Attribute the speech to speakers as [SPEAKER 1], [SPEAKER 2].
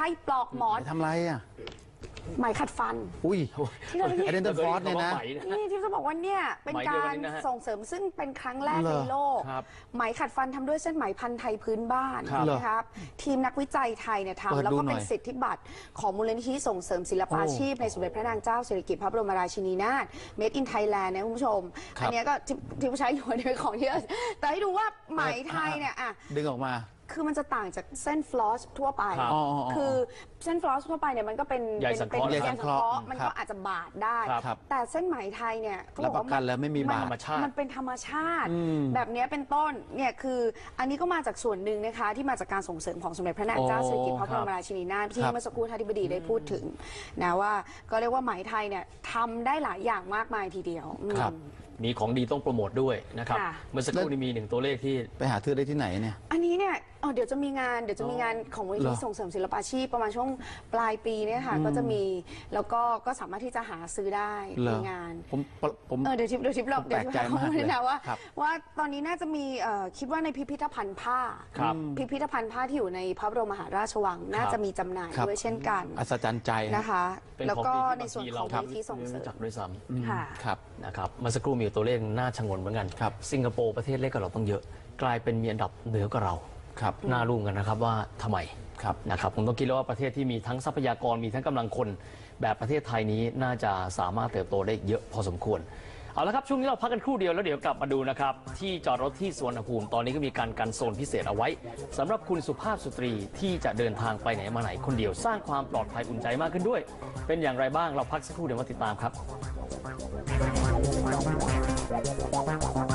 [SPEAKER 1] รปลอกหมอน
[SPEAKER 2] ทำไรอ่ะ
[SPEAKER 1] ไหมขัดฟัน
[SPEAKER 2] อุ้ยไอเดนเตอร์ฟอร์สเนี่ยนะ
[SPEAKER 1] นี่ที่จะบอกว่าเนี่ยเป็นการส่งเสริมซึ่งเป็นครั้งแรกในโลกไหมขัดฟันทำด้วยเส้นไหมพันธุ์ไทยพื้นบ้านนะครับทีมนักวิจัยไทยเนี่ยทำแล้วก็เป็นสิทธิบัตรของมูลนิธิส่งเสริมศิลปาชีพในสมเด็จพระนางเจ้าสิริกิติ์พระบรมราชินีนาถ Made in Thailand นะคุณผู้ชมอันนี้ก็ที่ผู้ใช้อยู่ในของที่แต่ให้ดูว่าไหมไทยเนี่ยอ่ะ
[SPEAKER 2] ดึงออกมา
[SPEAKER 1] คือมันจะต่างจากเส้นฟลอสทั่วไปคือเส้นฟลอสทั่วไปเนี่ยมันก็เป็น
[SPEAKER 2] ใยสังเคราะห์
[SPEAKER 1] มันก็อาจจะบาดได้แต่เส้นไหมไทยเนี่ย
[SPEAKER 2] รับประกันแล้วไม่มีบาด
[SPEAKER 1] มันเป็นธรรมชาติแบบนี้เป็นต้นเนี่ยคืออันนี้ก็มาจากส่วนหนึ่งนะคะที่มาจากการส่งเสริมของสมเด็จพระนางเจ้าสิริกิติ์พระบรมราชินีนาถที่เมื่อสักครู่ท่านอธิบดีได้พูดถึงนะว่าก็เรียกว่าไหมไทยเนี่ยทำได้หลายอย่างมากมายทีเดียว
[SPEAKER 3] มีของดีต้องโปรโมทด้วยนะครับเมื่อสักครู่นี้มี1ตัวเลขที่
[SPEAKER 2] ไปหาซื้อได้ที่ไหนเนี่ย
[SPEAKER 1] อันนี้เนี่ยเดี๋ยวจะมีงานของมูลนิธิส่งเสริมศิลปาชีพประมาณช่วงปลายปีเนี่ยค่ะก็จะมีแล้วก็สามารถที่จะหาซื้อได้ในงาน
[SPEAKER 2] ผม
[SPEAKER 1] เดี๋ยวทิป
[SPEAKER 2] แปลกใจมากเลย
[SPEAKER 1] นะว่าตอนนี้น่าจะมีคิดว่าในพิพิธภัณฑ์ผ้าพิพิธภัณฑ์ผ้าที่อยู่ในพระบรมมหาราชวังน่าจะมีจำหน่ายด้วยเช่นกัน
[SPEAKER 2] อัศจรรย์ใจ
[SPEAKER 1] นะคะแล้วก็ในส่วนของมูลนิธิส่งเสริม
[SPEAKER 3] จักด้วยซ้
[SPEAKER 1] ำ
[SPEAKER 3] ครับนะครับเมื่อสักครู่มีตัวเลขน่าชงนเหมือนกันสิงคโปร์ประเทศเล็กกว่าเราต้องเยอะกลายเป็นมีอันดับเหนือกว่าเราน่ารู้กันนะครับว่าทำไมนะครับผมต้องคิดแล้วว่าประเทศที่มีทั้งทรัพยากรมีทั้งกำลังคนแบบประเทศไทยนี้น่าจะสามารถเติบโตได้เยอะพอสมควรเอาละครับช่วงนี้เราพักกันครู่เดียวแล้วเดี๋ยวกลับมาดูนะครับที่จอดรถที่สุวรรณภูมิตอนนี้ก็มีการกันโซนพิเศษเอาไว้สำหรับคุณสุภาพสตรีที่จะเดินทางไปไหนมาไหนคนเดียวสร้างความปลอดภัยอุ่นใจมากขึ้นด้วยเป็นอย่างไรบ้างเราพักสักครู่เดี๋ยวมาติดตามครับ